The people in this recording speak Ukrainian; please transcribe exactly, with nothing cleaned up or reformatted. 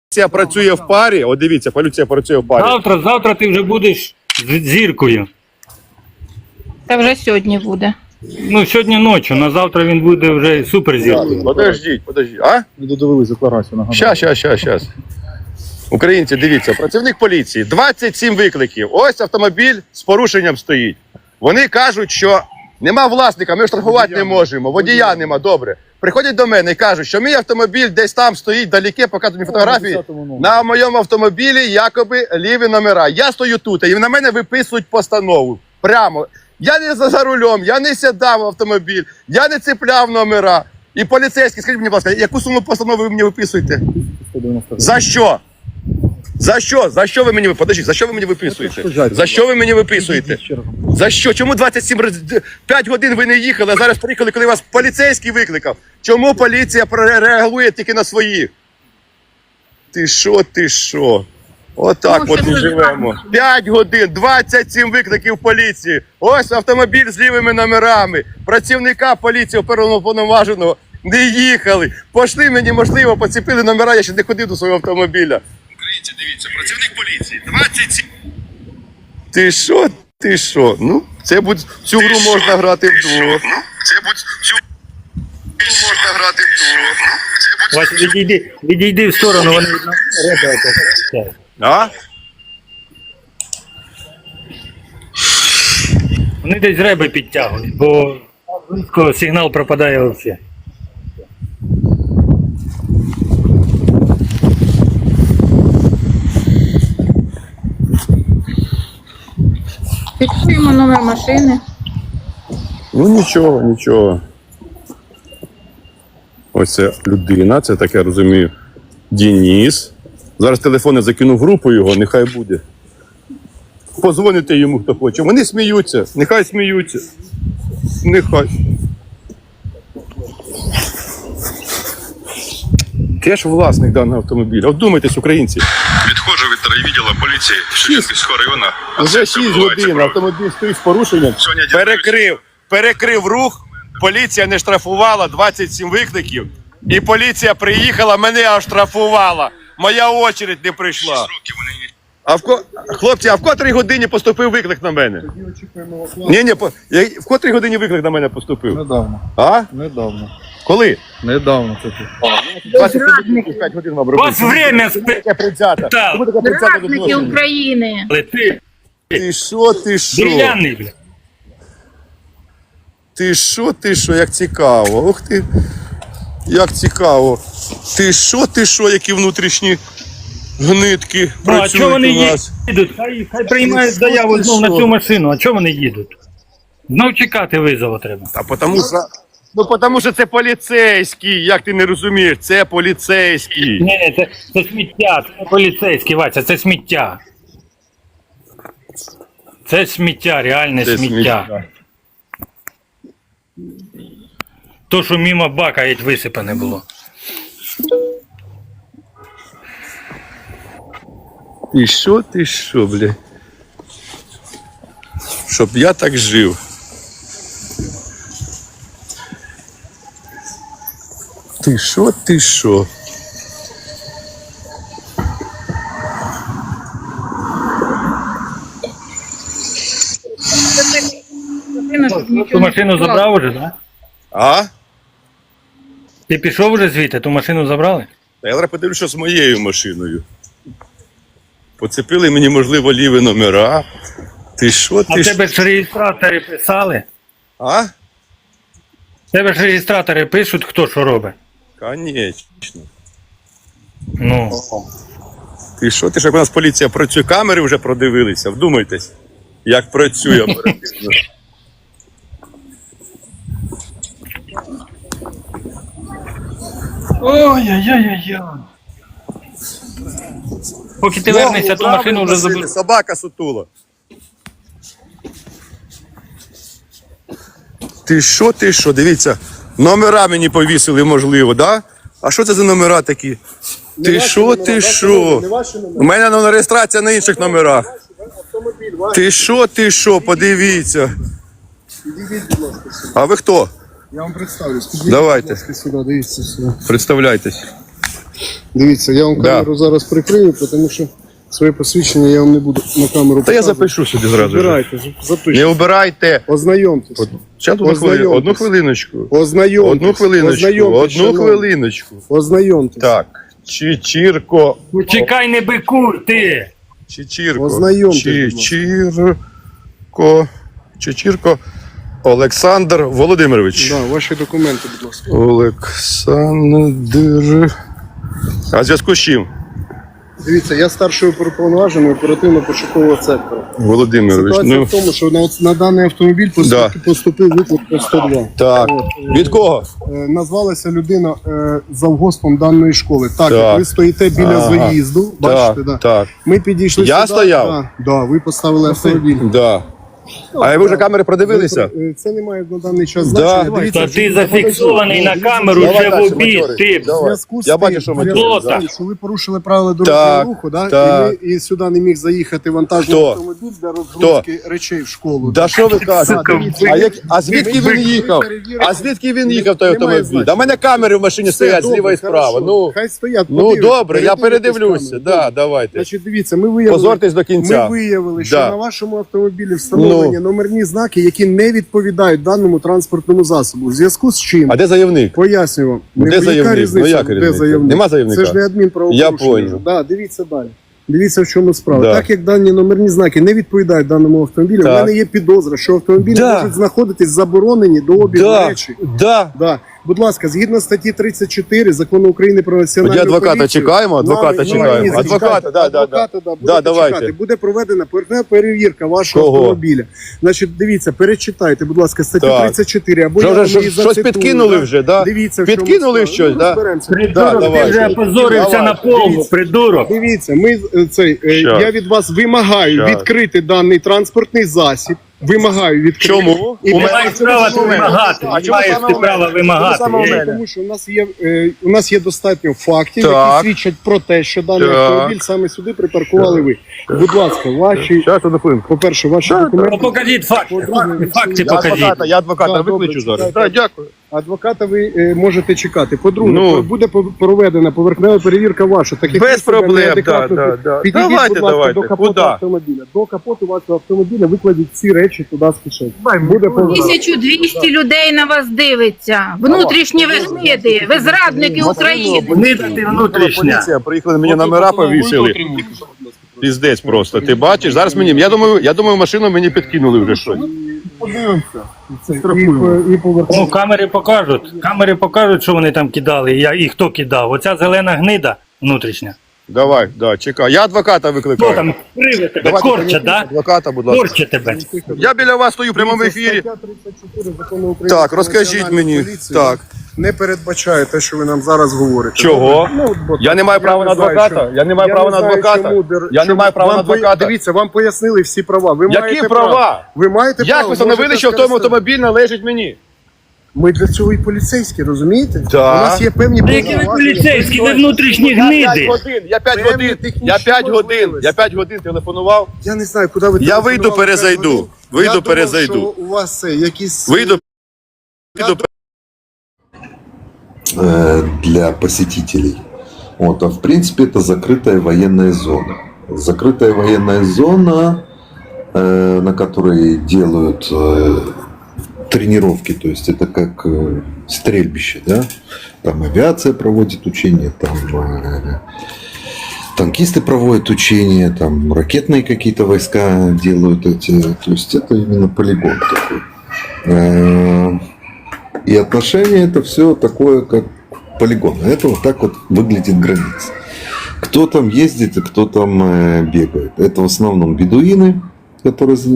Поліція працює в парі, от дивіться, поліція працює в парі. Завтра, завтра ти вже будеш з зіркою. Та вже сьогодні буде. Ну, сьогодні ночі, на завтра він буде вже суперзіркою. Подождіть, подождіть. А? Не додивились декларацію, нагадаю. Щас, щас, щас, щас. Українці, дивіться, працівник поліції, двадцять сім викликів. Ось автомобіль з порушенням стоїть. Вони кажуть, що нема власника, ми штрафувати не можемо, водія нема, добре. Приходять до мене і кажуть, що мій автомобіль десь там стоїть, далеке, показують фотографії. На моєму автомобілі якоби ліві номера. Я стою тут, і на мене виписують постанову. Прямо. Я не за, за рулем, я не сідав в автомобіль, я не цепляв номера. І поліцейський, скажіть мені, будь ласка, яку суму постанови ви мені виписуєте? За що? За що? За що ви мені Подождіть, за що ви мені виписуєте? За що ви мені виписуєте? За що? Чому двадцять сім п'ять годин ви не їхали, а зараз приїхали, коли вас поліцейський викликав? Чому поліція реагує тільки на своїх? Ти що, ти що? Отак Ну, от ми це живемо. п'ять годин, двадцять сім викликів поліції. Ось автомобіль з лівими номерами. Працівника поліції оперуповноваженого не їхали. Пошли мені, можливо, поціпили номера, я ще не ходив до свого автомобіля. Українці, дивіться, працівник поліції, двадцять сім. Ти що, ти що? Ну, це будь... цю гру можна грати вдвох. Ну, це будь... цю гру можна грати вдвох. Вася, відійди, відійди в сторону, вони ребята. А? Вони десь реби підтягують, бо близько сигнал пропадає взагалі. Фіксуємо номер машини. Ну нічого, нічого. Ось це людина, це так я розумію, Денис. Зараз телефони закину в групу його, нехай буде. Позвоните йому, хто хоче. Вони сміються, нехай сміються. Нехай. Теж власник даного автомобіля. От думайтесь, українці. Відходжу від райвідділу поліції Шевченківського району. Вже шість годин автомобіль стоїть з порушенням. Сьогодні дізнаюсь. Перекрив, перекрив рух, поліція не штрафувала, двадцять сім викликів. І поліція приїхала, мене оштрафувала. Моя очередь не прийшла. Роки вони не А в ко... Хлопці, а в котрій годині поступив виклик на мене? Ні, ні, по... Я... в котрій годині виклик на мене поступив? Недавно. А? Недавно. Коли? Недавно це тут. двадцять п'ять годин вам У робити. вас время Таке прицята. Так. Чому таке прицята Зрадники відношення? України. спали, ти Ти що, ти що? дерев'яний, бля. Ти що, ти що, як цікаво. Ух ти. Як цікаво. Ти що, ти що, які внутрішні гнитки Ну, а чого працюють вони у нас. їдуть? Хай, хай приймають Ти заяву що? знов на цю машину. А чого вони їдуть? Знов чекати визову треба. Та потому що... Ну, тому що це поліцейський, як ти не розумієш, це поліцейський. Ні, ні, це, це сміття, це поліцейський, Вася, це сміття. Це сміття, реальне Це сміття. сміття. То, що мимо бака геть висипане було. Ти що, ти що, бля? Щоб я так жив. Ти що, ти що? Ту машину забрав уже, так? Да? А? Ти пішов уже звідти, ту машину забрали? Та я зараз подивлюся, що з моєю машиною. Поцепили мені, можливо, ліві номера. Ти що, А ти в тебе що? ж реєстратори писали? А? В тебе ж реєстратори пишуть, хто що робить. Конечно. Ну, Ти що, ти ж як у нас поліція працює, камери вже продивилися, вдумайтесь, як працює оперативно. ой-ой-ой-ой. Поки ти вернешся, ту машину вже забув. Собака сутула. Ти що, ти що, дивіться, номера мені повісили, можливо, да? А що це за номера такі? Ти що, ти що? У мене на реєстрація на інших номерах. Ти що, ти що, подивіться. А ви хто? Я вам представлюсь. Давайте. Сюди, дивіться сюди. Представляйтесь. Дивіться, я вам Да. камеру зараз прикрию, тому що своє посвідчення я вам не буду на камеру Та я показувати. запишу собі зразу. ж. Збирайте, Не запишіть. обирайте. Ознайомтесь. Зараз одну, хвили... Ознайомтесь. одну хвилиночку. Ознайомтесь. Одну хвилиночку. Ознайомтесь, Одну шановні. хвилиночку. Ознайомтесь. Так. Чичірко. Ну, чекай, не бикур, ти! Чичірко. Ознайомтесь, будь ласка. Чичірко. Чичірко. Олександр Володимирович. Да, ваші документи, будь ласка. Олександр. А в зв'язку з чим? Дивіться, я старший оперуповноважений оперативно-пошукового сектору. Володимирович. Ситуація Ну, в тому, що на, на даний автомобіль поступив, Да. поступив виклик по сто два. так. Від кого? Е, назвалася людина е, завгоспом даної школи. Так, Так. ви стоїте біля Ага. заїзду, бачите, Так, да. так. Ми підійшли Я сюди. стояв? Да, да, ви поставили автомобіль. Да. А ви вже камери продивилися? Ви, е, Це не має на даний час Да. значення. Давай, Дивіться, Та ти що- зафіксований на камеру Давай вже в дальше, обід, моторик. ти! В Давай. зв'язку з Я тим, бачу, що в зв'язку моторик, з да. тим, що ви порушили правила дорожнього Так, руху, да? так. І, ми, і сюди не міг заїхати вантажний Хто? автомобіль для розгрузки речей в школу. Да що ви кажете? Сука, А, як... а звідки ви- він ви їхав? перевірите. А звідки він їхав той Немає автомобіль? значення. Да в мене камери в машині Все, стоять добре, зліва і справа. хорошо. Ну, Хай стоять, ну подивляться, добре, я передивитесь передивлюся. камеру. Да, давайте. Значить, дивіться, ми виявили, Позортесь до кінця. ми виявили, що Да. на вашому автомобілі встановлені Ну. номерні знаки, які не відповідають даному транспортному засобу. В зв'язку з чим? А де заявник? Пояснюю вам. Де Не- яка заявник? різниця, Ну, як де різниця? заявник? Нема заявника? Це ж не адмінправопорушення. Я понял. Да, дивіться далі. Дивіться, в чому справа. Да. Так як дані номерні знаки не відповідають даному автомобілю, Так. в мене є підозра, що автомобілі Да. можуть знаходитись заборонені до обігу Да, речі. да. Да. Будь ласка, згідно статті тридцять чотири закону України про національну Тоді адвоката поліцію, чекаємо, адвоката нами- чекаємо. ні, ні, Адвоката, зачекайте, да, да, адвоката, да, Да, будете давайте. чекати. Буде проведена поверхнева перевірка вашого Кого? автомобіля. Значить, дивіться, перечитайте, будь ласка, статтю Так. тридцять чотири, або Що я вже вам щось- її щось зацитую, підкинули да. вже, да? Дивіться, в чому Підкинули справа. щось, Ну, да? розберемося. Придурок, ти давайте. вже опозорився Давай. на повну, Дивіться. придурок! Дивіться, ми е, цей, е, Щас. я від вас вимагаю Щас. відкрити даний транспортний засіб. Вимагаю відкрити. Чому? І У Не мене- маєш права ти вимагати, А не чому маєш саме ти у мене? права Чому вимагати. саме у Ей. мене? Тому що у нас є е, у нас є достатньо фактів, Так. які свідчать про те, що даний Так. автомобіль саме сюди припаркували ви. Будь ласка, ваші, Щас, одну хвилинку. по-перше, ваші Ну документи. покажіть факти, факти, факти Я покажіть. адвоката, я адвоката Да, викличу добре, зараз. чекайте. Так, дякую. Адвоката ви е, можете чекати. По-друге, Ну. буде по- проведена поверхнева перевірка ваша. Так як Без ви себе проблем, неадекватно да, да, да. підійдіть, Давайте, будь ласка, давайте. до капоту Куда? автомобіля. До капоту вашого автомобіля викладіть всі речі туди з кишені. Буде повернено. тисяча двісті людей на вас дивиться. Внутрішні ви гниди, ви зрадники України. Гнида ти внутрішня. Поліція, приїхали, мені номера повісили. Піздець просто. Ти бачиш? Зараз мені, я думаю, я думаю, машину мені підкинули вже щось. Подивимося. Це, і, по- і повернемо. Ну, камери покажуть. Камери покажуть, що вони там кидали, і, я- і хто кидав. Оця зелена гнида внутрішня. Давай, да, чекай. Я адвоката Хто викликаю. там криве тебе? Давайте Корча, да? Адвоката, будь ласка. Корча тебе. Я біля вас стою в прямому Дивіться, ефірі. стаття тридцять чотири Закону України Так, про розкажіть національну мені. поліцію Так. Не передбачає те, що ви нам зараз говорите. Чого? Ну, от, бо Я не маю права не на знаю, адвоката? що- Я не маю права на знаю, адвоката? чому дер- Я не чому- маю права вам на по- адвоката? Дивіться, вам пояснили всі права. Ви Які маєте права? право. Ви маєте Як право. ви встановили, можете що в тому скористатися. автомобіль належить мені? Ми для цього і поліцейські, розумієте? Так. У нас є певні Та які ви повноваження. поліцейські, ви внутрішні Я п'ять гниди. годин, я п'ять Певні годин, технічні я п'ять годин, можливості. я п'ять годин телефонував. Я не знаю, куди ви Я телефонували вийду, п'ять перезайду. годин. Вийду, Я думав, перезайду. що у вас це якісь... Вийду, Я вийду. э, для посетителей. Вот, а в принципе это закрытая военная зона. Закрытая военная зона, э, на которой делают э, тренировки, то есть это как э, стрельбище, да? Там авиация проводит учения, там э, танкисты проводят учения, там ракетные какие-то войска делают эти, то есть это именно полигон такой. Э, И отношение это все такое, как полигон. Это вот так вот выглядит граница. Кто там ездит и кто там э, бегает. Это в основном бедуины, которые